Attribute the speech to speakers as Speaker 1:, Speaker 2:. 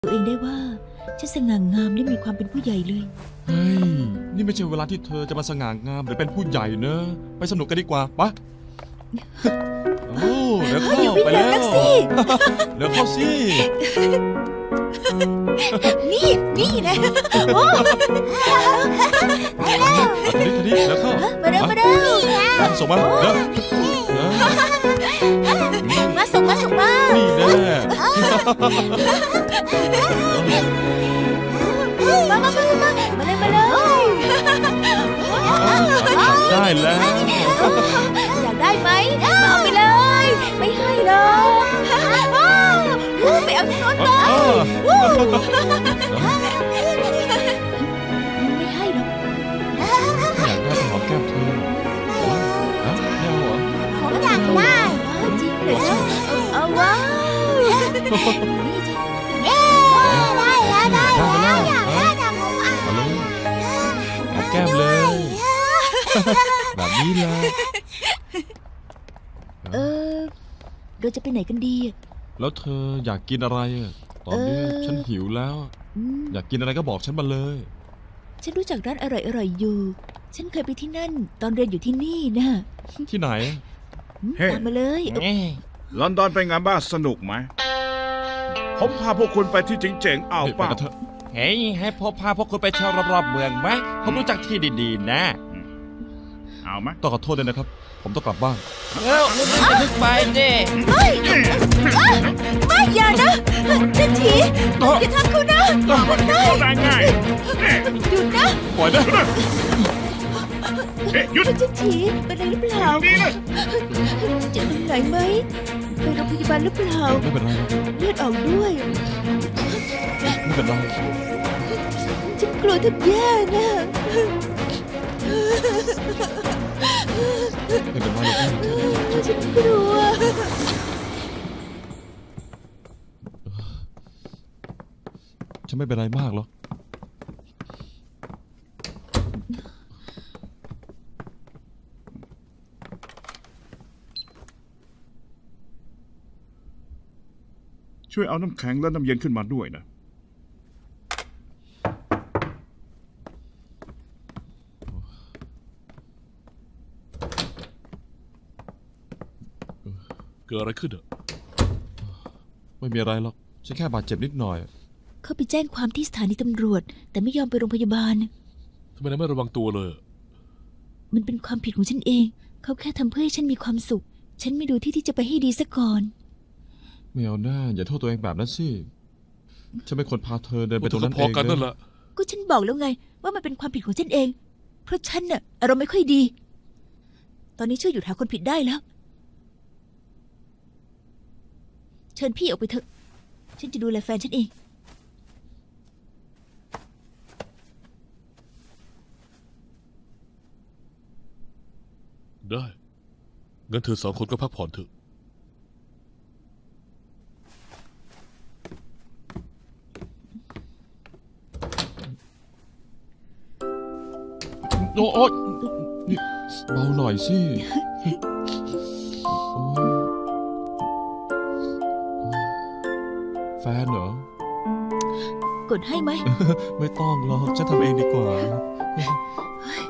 Speaker 1: ตัวเองได้ว่าฉันสง่างามและมีความเป็นผู้ใหญ่เลย
Speaker 2: เฮ้ย นี่ไม่ใช่เวลาที่เธอจะมาสง่างามหรือเป็นผู้ใหญ่เนอะไปสนุกกันดีกว่าปะโอ้เดี๋ยวเข้า
Speaker 1: อย่าวิ่ง
Speaker 2: ไป
Speaker 1: เร็
Speaker 2: แล้ว ว
Speaker 1: นักสิ
Speaker 2: เดี๋ยวเข้าสิ
Speaker 1: นี่นะโอ้
Speaker 2: ทีนี้เดี๋ยวเข้า
Speaker 1: มาเร็วมาเร็ว
Speaker 2: ส่งมาเดี๋ยว
Speaker 1: มาส่งมา
Speaker 2: นี่แน่
Speaker 1: มาเลย
Speaker 2: ได้แล้ว
Speaker 1: อยากได้ไหมมาเอาไปเลยไม่ให้หรอกไปเอาที่โน้นมาไม่ให้หรอก
Speaker 2: อยากได้หอมแก้มเธอฮะไม่เอาเหรอ
Speaker 3: ผมอยากได้
Speaker 1: จริงเหรอเอาว้าวนี่จ้ะ
Speaker 3: เย้ได้แล้วอยากได้แต่ผมอ่ะ
Speaker 2: มาเลยหอมแก้มเลย แบบนี้เลย
Speaker 1: เราจะไปไหนกันดี
Speaker 2: แล้วเธออยากกินอะไรอะตอนนี้ฉันหิวแล้ว อยากกินอะไรก็บอกฉันมาเลย
Speaker 1: ฉันรู้จักร้านอร่อยอยู่ ฉันเคยไปที่นั่นตอนเรียนอยู่ที่นี่นะ
Speaker 2: ที่ไหน
Speaker 1: ตามมาเลย
Speaker 4: ลอนดอนเป็นไงบ้างสนุกไหม ผมพาพวกคุณไปที่เจ๋งๆเอา
Speaker 2: ไป
Speaker 4: เปล่า
Speaker 2: กันเถอะ
Speaker 5: เฮ้ยให้พบพาพวกคุณไปเที่ยวรอบๆเมืองไหมผมรู้จักที่ดีๆนะ
Speaker 4: เอาไหม
Speaker 2: ต้องขอโทษด้วยนะครับ ผมต้องกลับบ้าน
Speaker 5: เอ้าไม่นึกไปดิ
Speaker 1: ไม่อย่านะเจ้าถีอย่าทำเขานะ
Speaker 4: ได้ง่าย
Speaker 1: หยุดนะ
Speaker 2: ปล่อยนะ
Speaker 4: หยุด
Speaker 1: เจ้าถีเป็นอะไรหรือเปล่า
Speaker 4: นี่เลย
Speaker 1: เจ็บตรงไหนไหมไปโรงพยาบาลหรือเปล่า
Speaker 2: ไม่เป็นไรหรอก
Speaker 1: เลือดออกด้วย
Speaker 2: ไม่เป็นไร
Speaker 1: ฉันกลัวแทบแย่นะ
Speaker 2: ไม่เป็นไรหรอก
Speaker 1: ฉันกลัว
Speaker 2: ฉันไม่เป็นไรมากหรอก
Speaker 4: ช่วยเอาน้ำแข็งและน้ำเย็นขึ้นมาด้วยนะ
Speaker 6: เกิดอะไรขึ้นอ่ะ
Speaker 2: ไม่มีอะไรหรอก ฉันแค่บาดเจ็บนิดหน่อย
Speaker 1: เขาไปแจ้งความที่สถานีตำรวจ แต่ไม่ยอมไปโรงพยาบาล
Speaker 6: ทำไมนายไม่ระวังตัวเลย
Speaker 1: มันเป็นความผิดของฉันเอง เขาแค่ทำเพื่อให้ฉันมีความสุข ฉันไม่ดูที่จะไปให้ดีซะก่อน
Speaker 2: ไม่เอาหน้าอย่าโทษตัวเองแบบนั้นสิ ฉันเป็นคนพาเธอเดินไปตรงนั้น
Speaker 6: พ
Speaker 2: เอ
Speaker 6: อง กันนั่นแห
Speaker 2: นะ
Speaker 6: ละ
Speaker 1: ก็ฉันบอกแล้วไง ว่ามันเป็นความผิดของฉันเอง เพราะฉันน่ะอารมณ์ไม่ค่อยดี ตอนนี้ช่วยหยุดหาคนผิดได้แล้ว เชิญพี่ออกไปเถอะ ฉันจะดูแลแฟนฉันเอง
Speaker 6: ได้งั้นเธอสองคนก็พักผ่อนเถอะ
Speaker 2: โอ้ยนี่เบาหน่อยสิโอ้ยแฟนเหรอ
Speaker 1: กดให้ไหม
Speaker 2: ไม่ต้องหรอกฉันทำเองดีกว่า